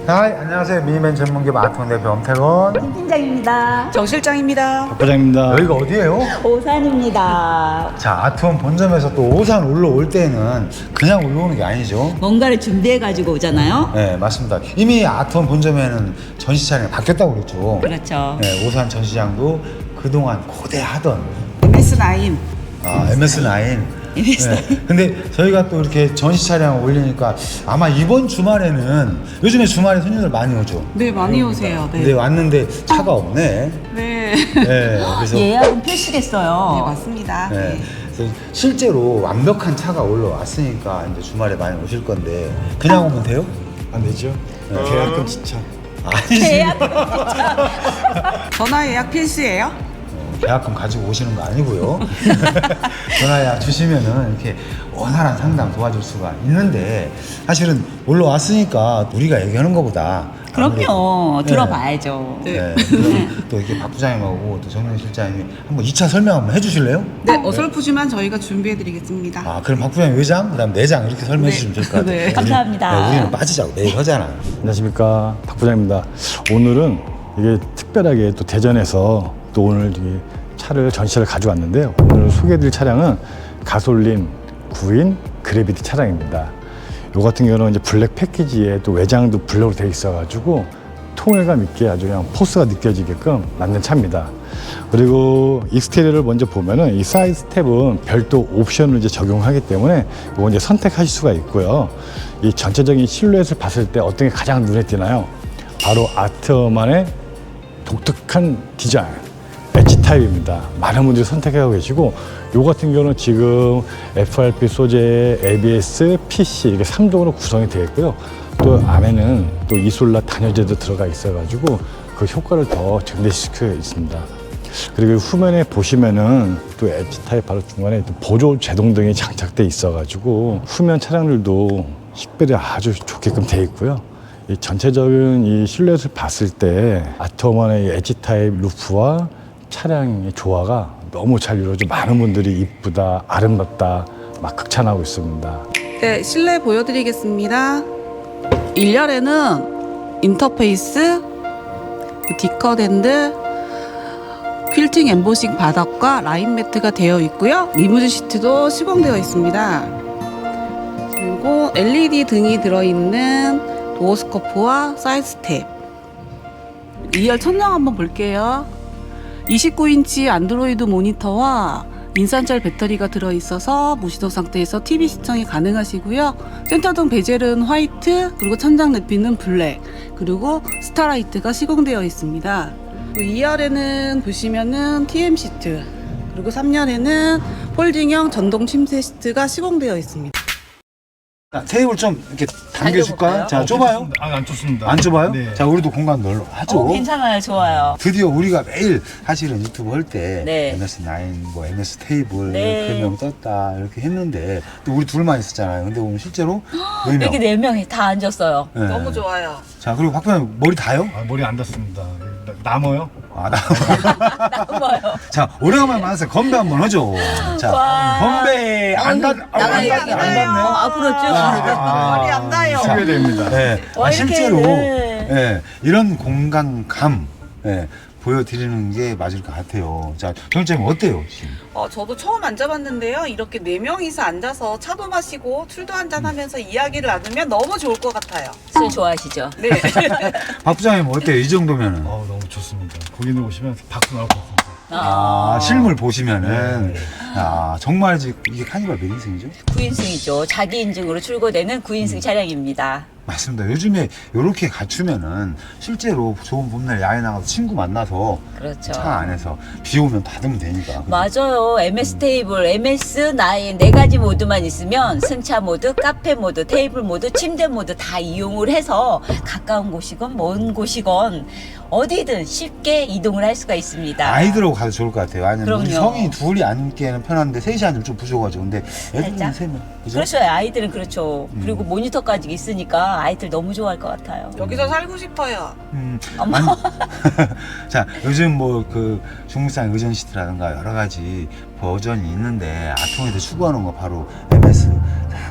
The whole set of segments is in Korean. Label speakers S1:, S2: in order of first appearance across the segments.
S1: 안녕하세요. 미니맨 전문기업 아트원 대표 엄태건
S2: 팀장입니다.
S3: 정 실장입니다.
S4: 박 과장입니다.
S1: 여기가 어디예요?
S2: 오산입니다.
S1: 자, 아트원 본점에서 또 오산 올라올 때는 그냥 올라오는 게 아니죠.
S2: 뭔가를 준비해가지고 오잖아요.
S1: 네, 맞습니다. 이미 아트원 본점에는 전시 차량이 바뀌었다고 그랬죠.
S2: 그렇죠.
S1: 네, 오산 전시장도 그동안 고대하던
S3: MS9.
S1: MS9. 네. 근데 저희가 또 이렇게 전시 차량 올리니까 아마 이번 주말에는 요즘에 주말에 손님들 많이 오죠.
S3: 네, 많이 오세요.
S1: 근데
S3: 네.
S1: 왔는데 차가 없네.
S3: 네.
S1: 네, 그래서
S2: 예약은 필수겠어요.
S3: 네, 맞습니다.
S1: 네.
S3: 네.
S1: 그래서 실제로 완벽한 차가 올라왔으니까 이제 주말에 많이 오실 건데 그냥 오면 돼요?
S4: 안 되죠? 계약금 지차.
S2: 예약.
S3: 전화 예약 필수예요?
S1: 계약금 가지고 오시는 거 아니고요. 전화 예약 주시면은 이렇게 원활한 상담 도와줄 수가 있는데 사실은 올라왔으니까 우리가 얘기하는 것보다
S2: 그럼요.
S1: 아무래도-
S2: 들어봐야죠.
S1: 네. 그럼 또 이렇게 박 부장님하고 또 정영 실장님이 한번 2차 설명 한번 해주실래요?
S3: 네, 어설프지만 저희가 준비해드리겠습니다.
S1: 아, 그럼 박 부장님 외장, 그다음 내장 이렇게 설명해 주시면 될 것 같아요.
S3: 네.
S2: 감사합니다.
S1: 우리는 빠지자고 내일 하잖아.
S4: 안녕하십니까, 박 부장입니다. 오늘은 이게 특별하게 또 대전에서 또 오늘 이 차를 전시를 가져왔는데요. 오늘 소개해드릴 차량은 가솔린 9인 그래비티 차량입니다. 요 같은 경우는 이제 블랙 패키지에 또 외장도 블랙으로 되어 있어가지고 통일감 있게 아주 그냥 포스가 느껴지게끔 만든 차입니다. 그리고 익스테리어를 먼저 보면은 이 사이드 스텝은 별도 옵션을 이제 적용하기 때문에 이거 이제 선택하실 수가 있고요. 이 전체적인 실루엣을 봤을 때 어떤 게 가장 눈에 띄나요? 바로 아트만의 독특한 디자인, 엣지 타입입니다. 많은 분들이 선택하고 계시고, 요 같은 경우는 지금 FRP 소재의 ABS, PC 이게 3종으로 구성이 되어 있고요. 또 안에는 또 이솔라 단열재도 들어가 있어가지고 그 효과를 더 증대시켜 있습니다. 그리고 후면에 보시면은 또 엣지 타입 바로 중간에 또 보조 제동등이 장착돼 있어가지고 후면 차량들도 식별이 아주 좋게끔 되어 있고요. 이 전체적인 이 실루엣을 봤을 때 아트원의 엣지 타입 루프와 차량의 조화가 너무 잘 이루어져 많은 분들이 이쁘다, 아름답다 막 극찬하고 있습니다.
S3: 네, 실내 보여드리겠습니다. 1열에는 인터페이스, 디컷핸드, 퀼팅 엠보싱 바닥과 라인 매트가 되어 있고요. 리무진 시트도 시공되어 있습니다. 그리고 LED 등이 들어있는 도어 스커프와 사이드 스텝. 2열 천장 한번 볼게요. 29인치 안드로이드 모니터와 인산철 배터리가 들어있어서 무시동 상태에서 TV 시청이 가능하시고요. 센터등 베젤은 화이트, 그리고 천장 내피는 블랙, 그리고 스타라이트가 시공되어 있습니다. 2열에는 보시면은 TM 시트, 그리고 3열에는 폴딩형 전동 침대 시트가 시공되어 있습니다.
S1: 자, 테이블 좀 이렇게 당겨줄까요? 자, 좁아요?
S4: 안 좋습니다.
S1: 안 좁아요?
S4: 네.
S1: 자, 우리도 공간 넓어 하죠.
S2: 괜찮아요. 좋아요.
S1: 드디어 우리가 매일 사실은 유튜브 할 때
S2: 네.
S1: MS9, 뭐 MS 테이블
S2: 네.
S1: 3명 떴다 이렇게 했는데 또 우리 둘만 있었잖아요. 근데 오늘 실제로 4명.
S2: 이렇게 4명이 다 앉았어요.
S1: 네.
S3: 너무 좋아요.
S1: 자, 그리고 박 부장님 머리 다요?
S4: 머리 안 닿습니다. 남아요?
S1: 아, 나.
S2: 나와요.
S1: 자, 오래간만에 만나서 건배 한번 하죠. 자,
S2: 와.
S1: 건배 안 닿네요.
S2: 아, 그렇죠.
S3: 머리 안 닿아요.
S1: 자,
S4: 됩니다.
S1: 네.
S2: 와,
S1: 실제로
S2: 이렇게,
S1: 예, 이런 공간감 예, 보여드리는 게 맞을 것 같아요. 자, 정장님 어때요? 지금?
S3: 저도 처음 앉아봤는데요. 이렇게 4명이서 앉아서 차도 마시고 술도 한잔하면서 이야기를 나누면 너무 좋을 것 같아요.
S2: 술 좋아하시죠?
S3: 네.
S1: 박 부장님 어때요? 이 정도면은?
S4: 너무 좋습니다. 고객님 오시면 박수 나올 것 같습니다.
S1: 아, 실물 보시면은 아, 정말 이게 카니발 몇 인승이죠?
S2: 9인승이죠. 자기 인증으로 출고되는 9인승 차량입니다.
S1: 맞습니다. 요즘에 이렇게 갖추면은 실제로 좋은 봄날 야외 나가서 친구 만나서
S2: 그렇죠.
S1: 차 안에서 비 오면 닫으면 되니까.
S2: 맞아요. MS 테이블, MS9 4가지 모드만 있으면 승차 모드, 카페 모드, 테이블 모드, 침대 모드 다 이용을 해서 가까운 곳이건 먼 곳이건 어디든 쉽게 이동을 할 수가 있습니다.
S1: 아이들하고 가도 좋을 것 같아요. 아니면 우리
S2: 그럼요.
S1: 성인이 둘이 앉기에는 편한데 셋이 앉으면 좀 부족하죠. 근데 애들은
S2: 살짝?
S1: 3명. 그죠?
S2: 그렇죠. 아이들은 그렇죠. 그리고 모니터까지 있으니까 아이들 너무 좋아할 것 같아요.
S3: 여기서 살고 싶어요.
S2: 어머.
S1: 아니, 자, 요즘 뭐 그 중국산 의전 시트라든가 여러 가지 버전이 있는데 아통에서 추구하는 거 바로 MS. 자,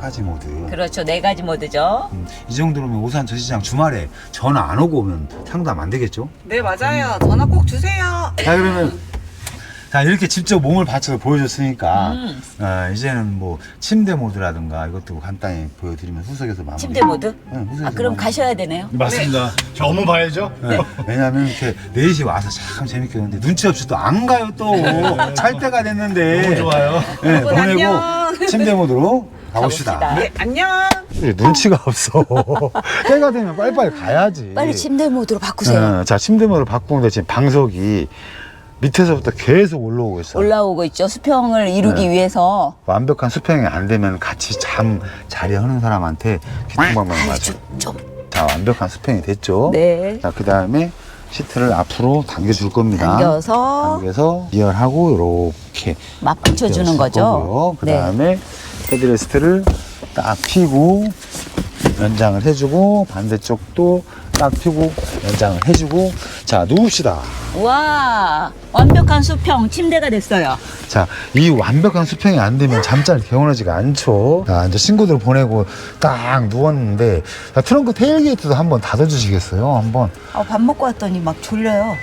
S1: 가지 모드.
S2: 그렇죠. 4가지 모드죠.
S1: 이 정도면 오산 전시장 주말에 전화 안 오고 오면 상담 안 되겠죠?
S3: 네, 맞아요. 전화 꼭 주세요.
S1: 자, 그러면 자, 이렇게 직접 몸을 받쳐서 보여줬으니까 이제는 뭐 침대 모드라든가 이것도 간단히 보여드리면 후석에서 마무리.
S2: 침대 모드?
S1: 네, 후석에서
S2: 아, 그럼
S1: 마무리.
S2: 가셔야 되네요.
S4: 맞습니다. 저 업무 봐야죠.
S1: 네. 왜냐면 이렇게 4시 와서 참 재밌게 했는데 눈치 없이 또 안 가요 또. 잘 때가 됐는데.
S4: 너무 좋아요.
S1: 네,
S3: 여러분,
S1: 보내고
S3: 안녕.
S1: 침대 모드로 가봅시다.
S2: 가봅시다.
S3: 네, 안녕.
S1: 눈치가 없어. 때가 되면 빨리빨리 가야지.
S2: 빨리 침대 모드로 바꾸세요.
S1: 자, 침대 모드로 바꾸는데 지금 방석이 밑에서부터 계속 올라오고 있어.
S2: 올라오고 있죠. 수평을 이루기
S1: 네.
S2: 위해서.
S1: 완벽한 수평이 안 되면 같이 자리 하는 사람한테 귀통방망이
S2: 아이,
S1: 맞아.
S2: 좀.
S1: 자, 완벽한 수평이 됐죠.
S2: 네.
S1: 자, 그 다음에 시트를 앞으로 당겨줄 겁니다. 당겨서 이열하고 이렇게
S2: 막 붙여주는 거죠.
S1: 그 다음에 헤드레스트를 딱 펴고 연장을 해주고 반대쪽도 딱 펴고 연장을 해주고 자, 누웁시다.
S2: 와, 완벽한 수평 침대가 됐어요.
S1: 자, 이 완벽한 수평이 안 되면 잠자리 개운하지가 않죠. 자, 이제 친구들 보내고 딱 누웠는데 자, 트렁크 테일게이트도 한번 닫아주시겠어요? 한번.
S2: 밥 먹고 왔더니 막 졸려요.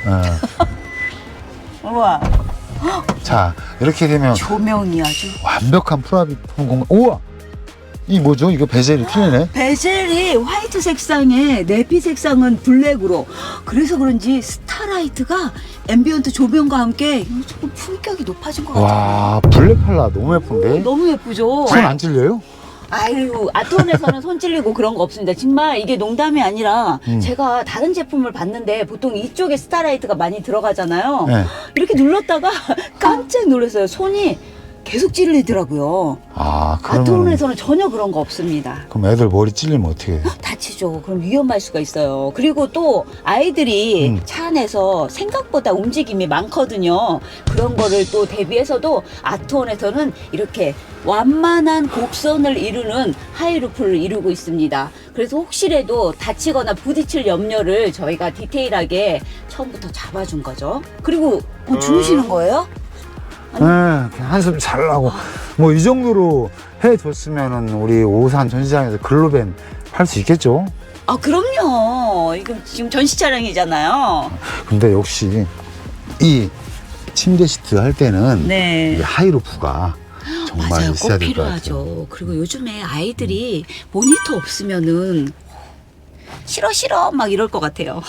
S2: 우와,
S1: 자, 이렇게 되면
S2: 조명이 아주.
S1: 완벽한 프라이빗 공간. 우와! 이 뭐죠? 이거 베젤이 틀리네.
S2: 베젤이 화이트 색상에 내피 색상은 블랙으로. 그래서 그런지 스타라이트가 앰비언트 조명과 함께 조금 품격이 높아진 것 같아요.
S1: 와, 블랙 컬러 너무 예쁜데?
S2: 너무 예쁘죠?
S1: 손 안 찔려요?
S2: 아유, 아트원에서는 손 찔리고 그런 거 없습니다. 정말 이게 농담이 아니라 제가 다른 제품을 봤는데 보통 이쪽에 스타라이트가 많이 들어가잖아요.
S1: 네.
S2: 이렇게 눌렀다가 깜짝 놀랐어요. 손이 계속 찔리더라고요.
S1: 아, 그러면
S2: 아트원에서는 전혀 그런 거 없습니다.
S1: 그럼 애들 머리 찔리면 어떻게 해?
S2: 다치죠. 그럼 위험할 수가 있어요. 그리고 또 아이들이 차 안에서 생각보다 움직임이 많거든요. 그런 거를 또 대비해서도 아트원에서는 이렇게 완만한 곡선을 이루는 하이루프를 이루고 있습니다. 그래서 혹시라도 다치거나 부딪힐 염려를 저희가 디테일하게 처음부터 잡아준 거죠. 그리고 주무시는 거예요?
S1: 네, 한숨 잘 나고 뭐 이 정도로 해줬으면은 우리 오산 전시장에서 글로벤 팔 수 있겠죠?
S2: 아, 그럼요. 이거 지금 전시 차량이잖아요.
S1: 근데 역시 이 침대 시트 할 때는
S2: 네.
S1: 이 하이루프가 정말
S2: 맞아요.
S1: 있어야
S2: 꼭
S1: 될 것 같아요.
S2: 필요하죠. 그리고 요즘에 아이들이 모니터 없으면은 싫어 막 이럴 것 같아요.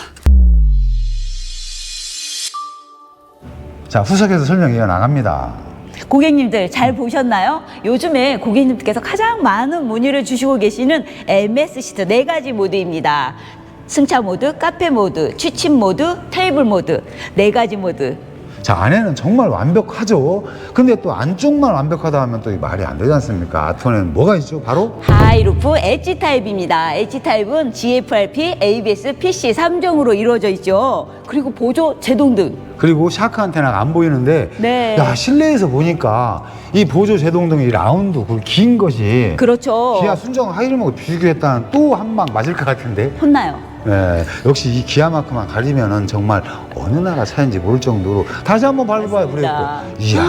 S1: 자, 후석에서 설명 이어나갑니다.
S2: 고객님들 잘 보셨나요? 요즘에 고객님들께서 가장 많은 문의를 주시고 계시는 MS 시트 4가지 모드입니다. 승차 모드, 카페 모드, 취침 모드, 테이블 모드 4가지 모드.
S1: 자, 안에는 정말 완벽하죠. 근데 또 안쪽만 완벽하다 하면 또 말이 안 되지 않습니까? 아트원에는 뭐가 있죠? 바로
S2: 하이루프 엣지 타입입니다. 엣지 타입은 GFRP, ABS, PC 3종으로 이루어져 있죠. 그리고 보조 제동등.
S1: 그리고 샤크 안테나가 안 보이는데
S2: 네.
S1: 야, 실내에서 보니까 이 보조 제동등이 라운드 그 긴 것이
S2: 그렇죠.
S1: 기아 순정 하이루프하고 비교했다는 또 한 방 맞을 것 같은데.
S2: 혼나요.
S1: 네, 역시 이 기아마크만 가리면은 정말 어느 나라 차인지 모를 정도로 다시 한번 밟아봐요.
S2: 맞습니다.
S1: 브레이크. 이야,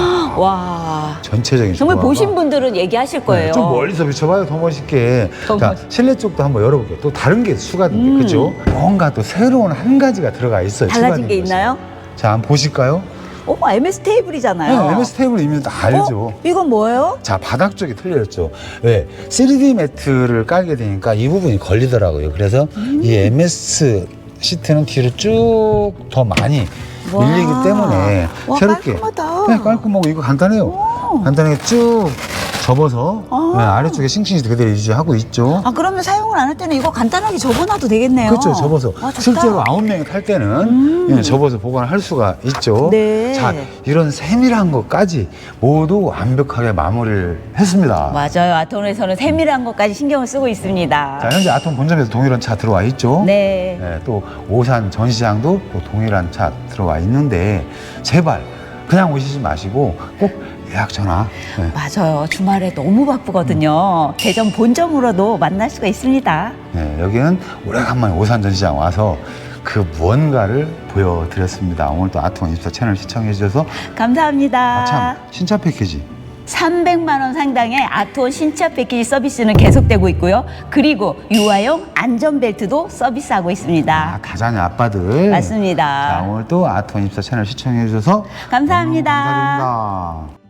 S2: 와.
S1: 전체적인
S2: 정말
S1: 조화가.
S2: 보신 분들은 얘기하실 거예요.
S1: 네, 좀 멀리서 비춰봐요. 더 멋있게.
S2: 더
S1: 자,
S2: 멋있-
S1: 실내 쪽도 한번 열어볼게요. 또 다른 게 추가된데, 그죠? 뭔가 또 새로운 한 가지가 들어가 있어요.
S2: 달라진
S1: 추가된
S2: 게
S1: 것이.
S2: 있나요?
S1: 자, 한번 보실까요?
S2: MS 테이블이잖아요.
S1: 네, MS 테이블 이미 다 알죠.
S2: 이건 뭐예요?
S1: 자, 바닥 쪽이 틀렸죠. 왜? 3D 매트를 깔게 되니까 이 부분이 걸리더라고요. 그래서 이 MS 시트는 뒤로 쭉 더 많이
S2: 와.
S1: 밀리기 때문에
S2: 와,
S1: 새롭게.
S2: 깔끔하다.
S1: 네, 깔끔하고 이거 간단해요. 간단하게 쭉 접어서 네, 아래쪽에 싱싱이 그대로 유지하고 있죠.
S2: 아, 그러면 사용을 안 할 때는 이거 간단하게 접어놔도 되겠네요.
S1: 그렇죠, 접어서.
S2: 와, 좋다.
S1: 실제로 9명이 탈 때는 예, 접어서 보관할 수가 있죠.
S2: 네.
S1: 자, 이런 세밀한 것까지 모두 완벽하게 마무리를 했습니다.
S2: 맞아요. 아톰에서는 세밀한 것까지 신경을 쓰고 있습니다.
S1: 자, 현재 아톰 본점에서 동일한 차 들어와 있죠.
S2: 네.
S1: 네, 또 오산 전시장도 또 동일한 차 들어와 있는데 제발 그냥 오시지 마시고 꼭 예약 전화. 네.
S2: 맞아요. 주말에 너무 바쁘거든요. 대전 본점으로도 만날 수가 있습니다.
S1: 네, 여기는 오래간만에 오산 전시장 와서 그 무언가를 보여드렸습니다. 오늘 또 아톰24 채널 시청해 주셔서
S2: 감사합니다.
S1: 참 신차 패키지
S2: 300만 원 상당의 아트원 신차 패키지 서비스는 계속되고 있고요. 그리고 유아용 안전벨트도 서비스하고 있습니다.
S1: 가장의 아빠들.
S2: 맞습니다.
S1: 자, 오늘 또 아트원24 채널 시청해 주셔서
S2: 감사합니다.
S1: 너무 감사드립니다.